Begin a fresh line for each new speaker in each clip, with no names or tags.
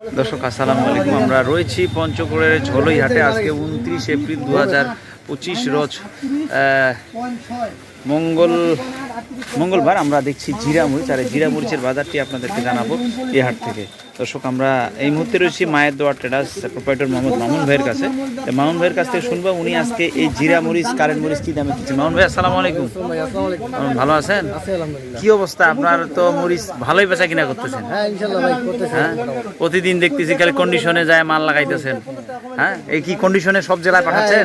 দর্শক আসসালামু আলাইকুম। আমরা রয়েছি পঞ্চগড়ের ঝোলই হাটে। আজকে 29 এপ্রিল 2025 রোজ মঙ্গলবার। আমরা দেখছি জিরা মরিচ, আর এই জিরা মরিচের বাজারটি আপনাদেরকে জানাবো এই হাট থেকে। দর্শক আমরা এই মুহূর্তে রয়েছি মায়ের দোয়া ট্রেডার্স প্রোপাইটর মোহাম্মদ মামুন ভাইয়ের কাছে। মামুন ভাইয়ের কাছ থেকে শুনবো উনি আজকে এই জিরা মরিচ, কারেন্ট মরিচ কি দামে দিচ্ছেন। মামুন ভাই আসসালামু আলাইকুম। ভালো আছেন? কি অবস্থা আপনার? তো মরিচ ভালোই বেচা কিনা করতেছেন? হ্যাঁ, প্রতিদিন দেখতেছি খালি কন্ডিশনে যায় মাল লাগাইতেছেন। হ্যাঁ, এই কি কন্ডিশনে সব জেলায় পাঠাচ্ছেন?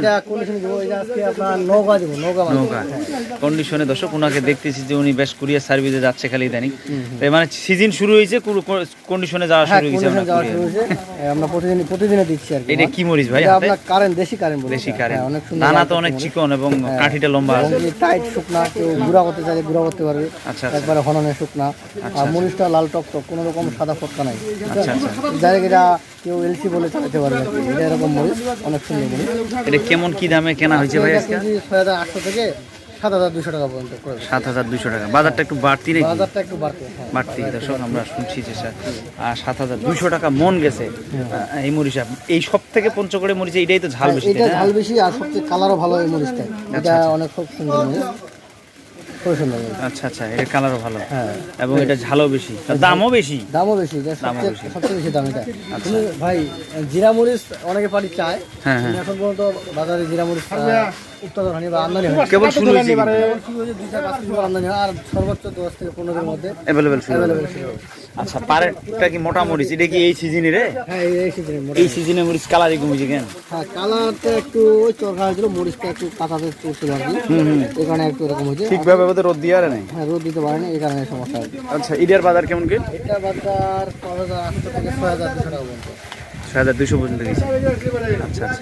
নৌকা কন্ডিশনে। দর্শক ওনাকে দেখতেছি যে উনি বেশ কুরিয়ার সার্ভিসে যাচ্ছে খালি ইদানিং। মানে সিজন শুরু হয়েছে, কন্ডিশনে যাওয়া শুরু হয়েছে।
আমরা প্রতিদিন দিচ্ছি আর কি।
এটা কি মরিচ ভাই?
আপনার কারেন্ট, দেশি কারেন্ট মরিচ।
দেশি কারেন্ট, দানা তো অনেক চিকন এবং কাঠিটা লম্বা আছে।
টাইট শুকনা, কেউ গুঁড়া করতে চাইলে গুঁড়া করতে পারবে।
আচ্ছা,
একবারে হননে শুকনা। আর মরিচটা লাল টক টক, কোনো রকম সাদা ফটকা নাই।
আচ্ছা আচ্ছা।
জায়গাটা কেউ এলসি বলে চালাতে পারবে আর কি। এটা এরকম মরিচ, অনেক সুন্দর মরিচ।
এটা কেমন কি দামে কেনা হয়েছে ভাই আজকে?
6,800 থেকে 7,200 টাকা পর্যন্ত।
7,200 টাকা। বাজারটা একটু বাড়তি নাকি?
বাজারটা একটু
বাড়তি। দর্শক আমরা শুনছি যে 7,200 টাকা মন গেছে এই মরিচ। এই সব থেকে পঞ্চগড়ে মরিচ এটাই তো ঝাল বেশি।
এটা ঝাল বেশি আর সবচেয়ে কালারও ভালো এই মরিচটা। এটা অনেক খুব সুন্দর মরিচ, খুব সুন্দর মরিচ।
আচ্ছা আচ্ছা, এটা কালারও ভালো।
হ্যাঁ,
এবং এটা ঝালও বেশি, দামও বেশি।
এটা সবচেয়ে বেশি দাম এটা। তুমি ভাই জিরা মরিচ অনেকে পারি চায়।
হ্যাঁ,
এখন পর্যন্ত বাজারে জিরা মরিচ উৎপাদন হয়নি বা আমদানি হয়।
কেবল শুরু হয়েছে।
2-5 কিলো আমদানি হয়, আর সর্বোচ্চ 10 থেকে 15 এর মধ্যে
অ্যাভেলেবেল শুরু হবে। আচ্ছা, পারেরটা কি মোটা মরিচ? এটা কি এই সিজনে রে?
হ্যাঁ,
এই সিজনে মরিচ কালারই কমেছে কেন?
হ্যাঁ, কালারটা একটু ওই চরকা হয়েছিল, মরিচটা একটু কাঁচাতে চলছিল আর কি। এই কারণে একটু এরকম হয়েছে।
ঠিকভাবে রোদ দিয়ে আর নাই।
হ্যাঁ, রোদ দিতে পারেনি, এই কারণে সমস্যা হয়েছে।
আচ্ছা, ইডার বাজার কেমন কি?
এটা বাজার 5,800 থেকে 6,200 টাকা পর্যন্ত।
6,200 পর্যন্ত গেছে। আচ্ছা আচ্ছা।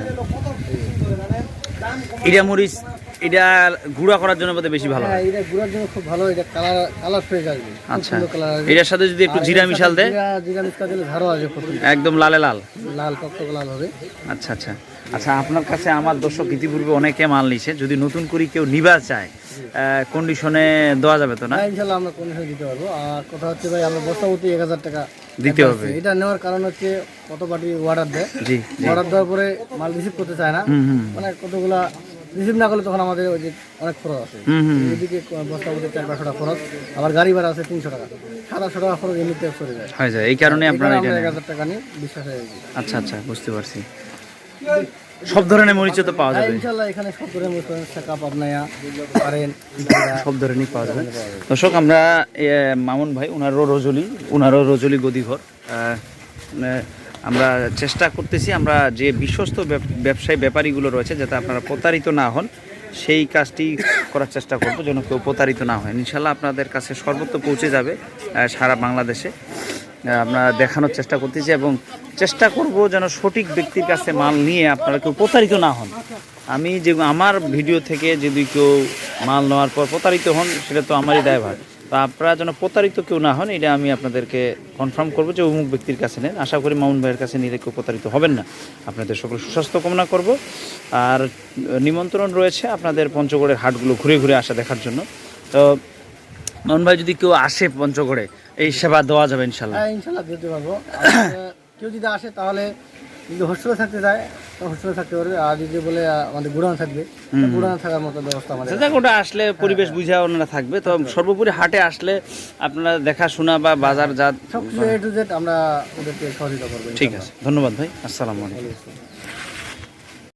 ইডা মরিচ এটা গুঁড়া করার জন্য বোধহয় বেশি ভালো।
হ্যাঁ, এটা গুঁড়ার জন্য খুব ভালো। এটা কালার ফ্রেশ আসবে।
আচ্ছা, এটার সাথে যদি একটু জিরা মিশাল দেয়,
জিরা মিশাল দিলে ঝাড়ও আসবে,
একদম লালে লাল
টকটক লাল হবে।
আচ্ছা আচ্ছা আচ্ছা। আপনার কাছে আমার দর্শক ইতিপূর্বে অনেকে মাল নিছে, যদি নতুন করে কেউ নিবা চায় কন্ডিশনে দেওয়া যাবে তো না?
ইনশাআল্লাহ আমরা কন্ডিশনে দিতে পারবো। আর কথা হচ্ছে ভাই, আমরা বস্তা প্রতি 1,000 টাকা
দিতে হবে।
এটা নেওয়ার কারণ হচ্ছে কত পার্টি অর্ডার দেয়।
জি,
অর্ডার দেওয়ার পরে মাল রিসিভ করতে চায় না। মানে কতগুলা রিসিভ না করলে তখন আমাদের ওই যে অনেক খরচ আছে। এদিকে বস্তা প্রতি 400-500 টাকা খরচ, আবার গাড়ি ভাড়া আছে 300 টাকা, 700 টাকা খরচ এমনিতে চলে যায়।
হয়ে যায়। এই কারণে আপনারা
1,000 টাকা নিয়ে বিশ্বাস হয়ে গেছে।
আচ্ছা আচ্ছা, বুঝতে পারছি। সব ধরনের মরিচ তো পাওয়া যাবে
ইনশাআল্লাহ। এখানে সব ধরনের মরিচ পাবেন, শাকা, পাবনায়া, কারেন্ট,
সব ধরনেরই পাওয়া যাবে। দর্শক আমরা মামুন ভাই ওনারও রজলি গদিঘর। আমরা চেষ্টা করতেছি, আমরা যে বিশ্বস্ত ব্যবসায়ী ব্যাপারীগুলো রয়েছে যাতে আপনারা প্রতারিত না হন, সেই কাজটি করার চেষ্টা করব যেন কেউ প্রতারিত না হয়। ইনশাল্লাহ আপনাদের কাছে সর্বত্র পৌঁছে যাবে সারা বাংলাদেশে। আমরা দেখানোর চেষ্টা করতেছি এবং চেষ্টা করব যেন সঠিক ব্যক্তির কাছে মাল নিয়ে আপনারা কেউ প্রতারিত না হন। আমি যে আমার ভিডিও থেকে যদি কেউ মাল নেওয়ার পর প্রতারিত হন, সেটা তো আমারই দায়ভার। তো আপনারা যেন প্রতারিত কেউ না হন, এটা আমি আপনাদেরকে কনফার্ম করবো যে অমুক ব্যক্তির কাছে নেন। আশা করি মামুন ভাইয়ের কাছে নিলে কেউ প্রতারিত হবেন না। আপনাদের সকল সুস্বাস্থ্য কামনা করব। আর নিমন্ত্রণ রয়েছে আপনাদের পঞ্চগড়ের হাটগুলো ঘুরে ঘুরে আসা দেখার জন্য। তো মামুন ভাই যদি কেউ আসে পঞ্চগড়ে, এই সেবা দেওয়া যাবে ইনশাল্লাহ?
হ্যাঁ, ইনশাল্লাহ দিতে পারবো। কেউ যদি আসে তাহলে যদি হোস্টেলে থাকতে চায় তো হোস্টেলে থাকতে পারবে, আর যদি বলে আমাদের গুড়ানো থাকবে, গুড়ানো থাকার মতো ব্যবস্থা আমাদের।
ওটা আসলে পরিবেশ বুঝা ওনারা থাকবে। তো সর্বোপরি হাটে আসলে আপনারা দেখাশোনা বা বাজার জাত
সব কিছু A to Z আমরা ওদেরকে সহযোগিতা করবো।
ঠিক আছে, ধন্যবাদ ভাই। আসসালামু আলাইকুম।